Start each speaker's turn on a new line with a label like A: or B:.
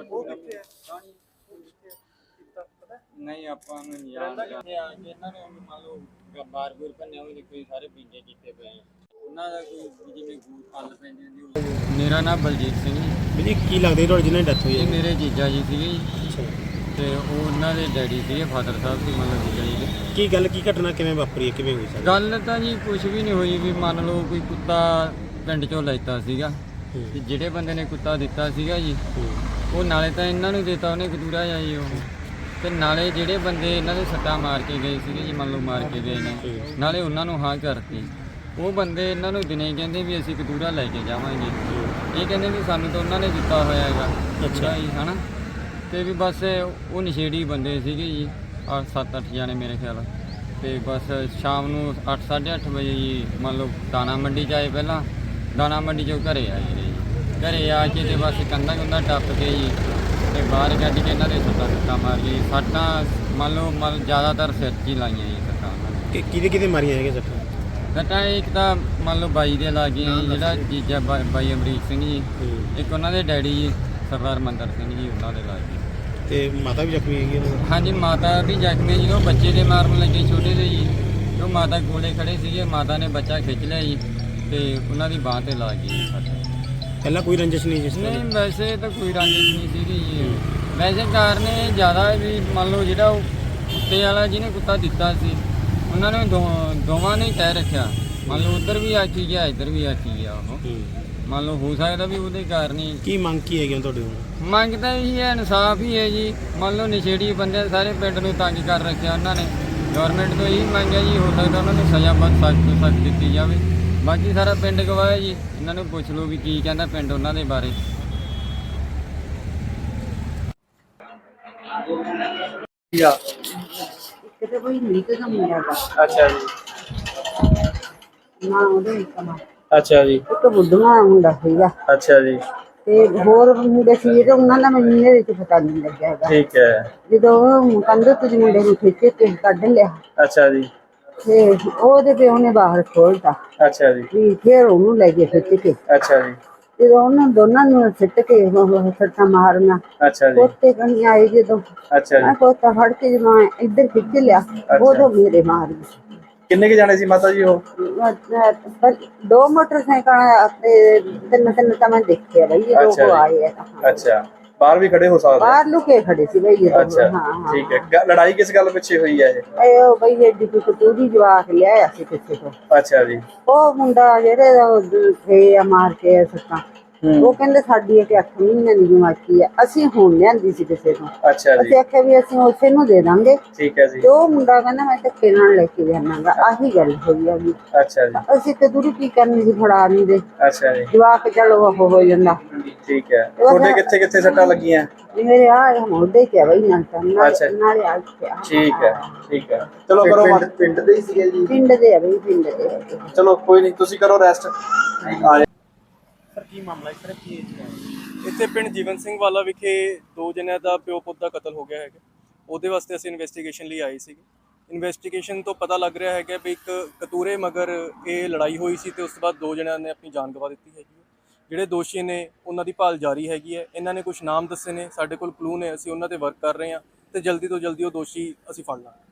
A: ਨਹੀਂ ਆਪਾਂ ਨੂੰ ਨਹੀਂ ਯਾਦ ਕਰਦੇ ਆ ਕਿ ਇਹਨਾਂ ਨੇ ਮੰਨ ਲਓ ਬਾਰ-ਬੂਰ ਭੰਨਿਆ ਹੋਵੇ, ਕੋਈ ਸਾਰੇ ਪੀਂਦੇ ਕੀਤੇ ਪਏ ਉਹਨਾਂ ਦਾ ਕੋਈ ਜਿਵੇਂ ਗੂਰ ਪੱਲ ਪੈਂਦੀ ਹੁੰਦੀ। ਮੇਰਾ ਨਾਮ ਬਲਜੀਤ ਸਿੰਘ ਜੀ।
B: ਜੀ ਕੀ ਲੱਗਦਾ ਤੁਹਾਡੀ ਜਿਹਨਾਂ ਦੀ ਡੈਥ ਹੋਈ ਹੈ?
A: ਇਹ ਮੇਰੇ ਜੀਜਾ ਜੀ ਸੀਗੇ ਜੀ, ਤੇ ਉਹ ਉਹਨਾਂ ਦੇ ਡੈਡੀ ਸੀਗੇ, ਫਾਦਰ ਸਾਹਿਬ ਸੀ ਮੰਨ ਲਓ ਜੀਜਾ ਜੀ ਦੇ।
B: ਕੀ ਗੱਲ, ਕੀ ਘਟਨਾ ਕਿਵੇਂ ਵਾਪਰੀ ਹੈ, ਕਿਵੇਂ ਹੋਈ ਸਾਰੀ
A: ਗੱਲ ਤਾਂ ਜੀ ਕੁਝ ਵੀ ਨਹੀਂ ਹੋਈ ਵੀ ਮੰਨ ਲਓ ਕੋਈ ਕੁੱਤਾ ਪਿੰਡ ਚੋਂ ਲੈਤਾ ਸੀਗਾ, ਤੇ ਜਿਹੜੇ ਬੰਦੇ ਨੇ ਕੁੱਤਾ ਦਿੱਤਾ ਸੀਗਾ ਜੀ ਉਹ ਨਾਲੇ ਤਾਂ ਇਹਨਾਂ ਨੂੰ ਦਿੱਤਾ ਉਹਨੇ ਕਤੂਰਾ ਜਾਂ ਜੀ ਉਹ, ਤੇ ਨਾਲੇ ਜਿਹੜੇ ਬੰਦੇ ਇਹਨਾਂ ਦੇ ਸੱਟਾਂ ਮਾਰ ਕੇ ਗਏ ਸੀਗੇ ਜੀ, ਮੰਨ ਲਓ ਮਾਰ ਕੇ ਗਏ ਨੇ, ਨਾਲੇ ਉਹਨਾਂ ਨੂੰ ਹਾਂ ਕਰਤੀ। ਉਹ ਬੰਦੇ ਇਹਨਾਂ ਨੂੰ ਦਿਨੇ ਕਹਿੰਦੇ ਵੀ ਅਸੀਂ ਕਤੂਰਾ ਲੈ ਕੇ ਜਾਵਾਂਗੇ, ਇਹ ਕਹਿੰਦੇ ਵੀ ਸਾਨੂੰ ਤਾਂ ਉਹਨਾਂ ਨੇ ਦਿੱਤਾ ਹੋਇਆ ਹੈਗਾ ਕਤੂਰਾ ਜੀ, ਹੈ ਨਾ। ਤੇ ਵੀ ਬਸ ਉਹ ਨਸ਼ੇੜੀ ਬੰਦੇ ਸੀਗੇ ਜੀ, 7-8 ਜਾਣੇ ਮੇਰੇ ਖਿਆਲ। ਤੇ ਬਸ ਸ਼ਾਮ ਨੂੰ 8-8:30 ਵਜੇ ਜੀ ਮੰਨ ਲਓ ਦਾਣਾ ਮੰਡੀ 'ਚ ਆਏ, ਪਹਿਲਾਂ ਦਾਣਾ ਮੰਡੀ 'ਚੋਂ ਘਰੇ ਆਏ ਜੀ, ਘਰੇ ਆ ਕੇ ਤੇ ਬਸ ਕੰਧਾਂ ਟੱਪ ਕੇ ਜੀ ਤੇ ਬਾਹਰ ਕੱਢ ਕੇ ਇਹਨਾਂ ਦੇ ਸੱਟਾਂ ਮਾਰ ਗਈ। ਸੱਟਾਂ ਮੰਨ ਲਓ ਜ਼ਿਆਦਾਤਰ ਸਿਰ 'ਚ ਹੀ ਲਾਈਆਂ ਜੀ ਸੱਟਾਂ ਉਹਨਾਂ ਨੇ।
B: ਕਿਹਦੇ ਮਾਰੀਆਂ ਹੈਗੀਆਂ ਸੱਟਾਂ?
A: ਸੱਟਾਂ ਇੱਕ ਤਾਂ ਮੰਨ ਲਓ ਬਾਈ ਦੇ ਲਾ ਗਈਆਂ ਜੀ, ਜਿਹੜਾ ਜੀਜਾ ਬਾਈ ਅਮਰੀਕ ਸਿੰਘ ਜੀ, ਇੱਕ ਉਹਨਾਂ ਦੇ ਡੈਡੀ ਜੀ ਸਰਦਾਰ ਮੰਦਰ ਸਿੰਘ ਜੀ, ਉਹਨਾਂ ਦੇ ਲਾ ਗਏ।
B: ਤੇ ਮਾਤਾ ਵੀ ਜ਼ਖਮੀ ਹੈਗੀ ਉਹਨਾਂ ਦੀ?
A: ਹਾਂਜੀ, ਮਾਤਾ ਵੀ ਜ਼ਖਮੀ ਜੀ, ਉਹ ਬੱਚੇ ਦੇ ਮਾਰਨ ਲੱਗੇ ਛੋਟੇ ਦੇ ਜੀ, ਉਹ ਮਾਤਾ ਕੋਲੇ ਖੜੇ ਸੀਗੇ, ਮਾਤਾ ਨੇ ਬੱਚਾ ਖਿੱਚ ਲਿਆ ਜੀ ਤੇ ਉਹਨਾਂ ਦੀ ਬਾਂਹ ਤੇ ਲਾ ਗਈ ਸੱਟ।
B: ਪਹਿਲਾਂ ਕੋਈ ਰੰਜਿਸ਼ ਨਹੀਂ ਜਿਸ
A: ਨਹੀਂ, ਵੈਸੇ ਤਾਂ ਕੋਈ ਰੰਜਿਸ਼ ਨਹੀਂ ਸੀਗੀ ਜੀ। ਵੈਸੇ ਕਾਰਨ ਇਹ ਜ਼ਿਆਦਾ ਵੀ ਮੰਨ ਲਓ ਜਿਹੜਾ ਉਹ ਕੁੱਤੇ ਵਾਲਾ ਜਿਹਨੇ ਕੁੱਤਾ ਦਿੱਤਾ ਸੀ ਉਹਨਾਂ ਨੇ ਦੋਵਾਂ ਨੇ ਕਹਿ ਰੱਖਿਆ, ਮੰਨ ਲਓ ਉੱਧਰ ਵੀ ਆਖੀ ਗਿਆ ਇੱਧਰ ਵੀ ਆਖੀ ਗਿਆ। ਉਹ ਮੰਨ ਲਓ ਹੋ ਸਕਦਾ ਵੀ ਉਹਦੇ ਕਾਰਨ ਹੀ।
B: ਕੀ ਮੰਗ ਕੀ ਹੈਗੀ ਤੁਹਾਡੇ ਕੋਲ?
A: ਮੰਗ ਤਾਂ ਇਹੀ ਹੈ, ਇਨਸਾਫ ਹੀ ਹੈ ਜੀ। ਮੰਨ ਲਓ ਨਸ਼ੇੜੀ ਬੰਦੇ ਸਾਰੇ ਪਿੰਡ ਨੂੰ ਤੰਗ ਕਰ ਰੱਖਿਆ ਉਹਨਾਂ ਨੇ, ਗਵਰਨਮੈਂਟ ਤੋਂ ਇਹੀ ਮੰਗ ਹੈ ਜੀ, ਹੋ ਸਕਦਾ ਉਹਨਾਂ ਨੂੰ ਸਜ਼ਾ ਬਹੁਤ ਸਖਤ ਤੋਂ ਸਖਤ ਦਿੱਤੀ ਜਾਵੇ। ਬਾਕੀ ਸਾਰਾ ਪਿੰਡ ਗਵਾਹ ਹੈ ਜੀ, ਇਹਨਾਂ ਨੂੰ ਪੁੱਛ ਲਓ ਵੀ ਕੀ ਕਹਿੰਦਾ ਪਿੰਡ ਉਹਨਾਂ ਦੇ ਬਾਰੇ।
C: ਕਿਤੇ ਕੋਈ ਨੀਤ ਦਾ ਮੁੰਡਾ ਦਾ।
B: ਅੱਛਾ ਜੀ।
C: ਨਾ ਉਹਦੇ ਕਮਾ।
B: ਅੱਛਾ ਜੀ।
C: ਇੱਕ ਬੁੱਢਾ ਮੁੰਡਾ ਸੀਗਾ।
B: ਅੱਛਾ ਜੀ।
C: ਤੇ ਹੋਰ ਮੁੰਡੇ ਸੀ ਤੇ ਉਹਨਾਂ ਦਾ ਮੈਨੂੰ ਇਹਦੇ ਵਿੱਚ ਪਤਾ ਨਹੀਂ ਲੱਗਿਆ ਹੈਗਾ।
B: ਠੀਕ ਹੈ।
C: ਜਦੋਂ ਕੰਧ ਤੋਂ ਮੁੰਡੇ ਨੂੰ ਖਿੱਚ ਕੇ ਕੱਢ ਲਿਆ।
B: ਅੱਛਾ ਜੀ।
C: ਤੇ ਉਹਦੇ ਤੇ ਉਹਨੇ ਬਾਹਰ ਖੋਲਤਾ।
B: ਅੱਛਾ ਜੀ।
C: ਵੀ ਫਿਰ ਉਹਨੂੰ ਲੈ ਕੇ ਖਿੱਚ ਕੇ।
B: ਅੱਛਾ ਜੀ।
C: ਜਦੋਂ ਉਹਨਾਂ ਦੋਨਾਂ ਨੂੰ ਸਿੱਟ ਕੇ ਸੱਟਾਂ ਮਾਰਨਾ।
B: ਅੱਛਾ ਜੀ।
C: ਕੋਤੇ ਕਣੀ ਆਏ ਜਦੋਂ।
B: ਅੱਛਾ ਜੀ।
C: ਮੈਂ ਕੋਤਾ ਫੜ ਕੇ ਜਦੋਂ ਇੱਧਰ ਖਿੱਚ ਲਿਆ, ਉਦੋਂ ਮੇਰੇ ਮਾਰ ਗਈ।
B: ਕਿੰਨੇ ਕੇ ਜਾਣੇ ਸੀ ਮਾਤਾ ਜੀ ਉਹ?
C: 2 ਮੋਟਰਸਾਈਕਲ ਤੇ ਤਿੰਨ ਤਾਂ ਮੈਂ ਦੇਖਿਆ ਬਈ ਇਹ ਲੋਕ ਆਏ ਆ।
B: ਅੱਛਾ, ਬਾਹਰ ਵੀ ਖੜੇ ਹੋ ਸਕਦੇ?
C: ਬਾਹਰ ਲੁਕੇ ਖੜੇ ਸੀ ਬਈ ਇਹ।
B: ਅੱਛਾ, ਠੀਕ ਹੈ। ਲੜਾਈ ਕਿਸ ਗੱਲ ਪਿੱਛੇ ਹੋਈ ਹੈ
C: ਇਹ ਬਈ ਐਡੀ ਕੋਈ ਕਤੂਰੀ ਜਵਾਕ ਲਿਆਇਆ ਸੀ ਕਿਸੇ ਤੋਂ।
B: ਅੱਛਾ ਜੀ।
C: ਉਹ ਮੁੰਡਾ ਜਿਹੜੇ ਫੇ ਮਾਰ ਕੇ ਸੱਤਾਂ, ਉਹ ਕਹਿੰਦੇ ਸਾਡੀ ਇੱਕ 8 ਮਹੀਨੇ ਦੀ ਜਮਾਤੀ ਹੈ, ਅਸੀਂ ਹੁਣ ਲਿਆਂਦੀ ਸੀ ਕਿਸੇ ਤੋਂ।
B: ਅੱਛਾ ਜੀ।
C: ਅਸੀਂ ਆਖਿਆ ਵੀ ਅਸੀਂ ਉਸੇ ਨੂੰ ਦੇ ਦਾਂਗੇ।
B: ਠੀਕ ਹੈ ਜੀ।
C: ਤੇ ਉਹ ਮੁੰਡਾ ਕਹਿੰਦਾ ਮੈਂ ਧੱਕੇ ਨਾਲ ਲੈ ਕੇ ਜਾਣਾਗਾ, ਆਹੀ ਗੱਲ ਹੋਈ ਆ ਵੀ।
B: ਅੱਛਾ ਜੀ।
C: ਅਸੀਂ ਕਤੂਰੀ ਕੀ ਕਰਨੀ ਸੀ, ਫੜਾ ਨਹੀਂ ਦੇ।
B: ਅੱਛਾ ਜੀ।
C: ਜਵਾਕ ਚਲੋ ਉਹ ਹੋ ਜਾਂਦਾ।
B: ਠੀਕ ਹੈ। ਤੁਹਾਡੇ ਕਿੱਥੇ ਕਿੱਥੇ ਸੱਟਾਂ ਲੱਗੀਆਂ?
C: ਮੇਰੇ ਆ ਮੋਢੇ ਤੇ ਬਈ ਨਾਲੇ ਆ।
B: ਠੀਕ ਹੈ, ਠੀਕ ਹੈ। ਚਲੋ ਕਰੋ। ਪਿੰਡ ਦੇ ਹੀ ਸੀਗੇ ਜੀ? ਪਿੰਡ
C: ਦੇ ਆ ਬਈ, ਪਿੰਡ ਦੇ।
B: ਚਲੋ ਕੋਈ ਨਹੀਂ, ਤੁਸੀਂ ਕਰੋ ਰੈਸਟ। ਸਰ ਕੀ ਮਾਮਲਾ ਹੈ? ਕੀ
D: ਇੱਥੇ ਪਿੰਡ ਜੀਵਨ ਸਿੰਘ ਵਾਲਾ ਵਿਖੇ 2 ਜਣਿਆਂ ਦਾ ਪਿਓ ਪੁੱਤ ਦਾ ਕਤਲ ਹੋ ਗਿਆ ਹੈਗਾ। ਉਹਦੇ ਵਾਸਤੇ ਅਸੀਂ ਇਨਵੈਸਟੀਗੇਸ਼ਨ ਲਈ ਆਏ ਸੀਗੇ। ਇਨਵੈਸਟੀਗੇਸ਼ਨ ਤੋਂ ਪਤਾ ਲੱਗ ਰਿਹਾ ਹੈਗਾ ਵੀ ਇੱਕ ਕਤੂਰੇ ਮਗਰ ਇਹ ਲੜਾਈ ਹੋਈ ਸੀ ਤੇ ਉਸ ਤੋਂ ਬਾਅਦ 2 ਜਣਿਆਂ ਨੇ ਆਪਣੀ ਜਾਨ ਗਵਾ ਦਿੱਤੀ ਹੈਗੀ ਹੈ। ਜਿਹੜੇ ਦੋਸ਼ੀ ਨੇ ਉਹਨਾਂ ਦੀ ਭਾਲ ਜਾਰੀ ਹੈਗੀ ਹੈ। ਇਹਨਾਂ ਨੇ ਕੁਝ ਨਾਮ ਦੱਸੇ ਨੇ, ਸਾਡੇ ਕੋਲ ਕਲੂ ਨੇ, ਅਸੀਂ ਉਹਨਾਂ ਤੇ ਵਰਕ ਕਰ ਰਹੇ ਹਾਂ ਤੇ ਜਲਦੀ ਤੋਂ ਜਲਦੀ ਉਹ ਦੋਸ਼ੀ ਅਸੀਂ ਫੜ ਲਾਂਗੇ।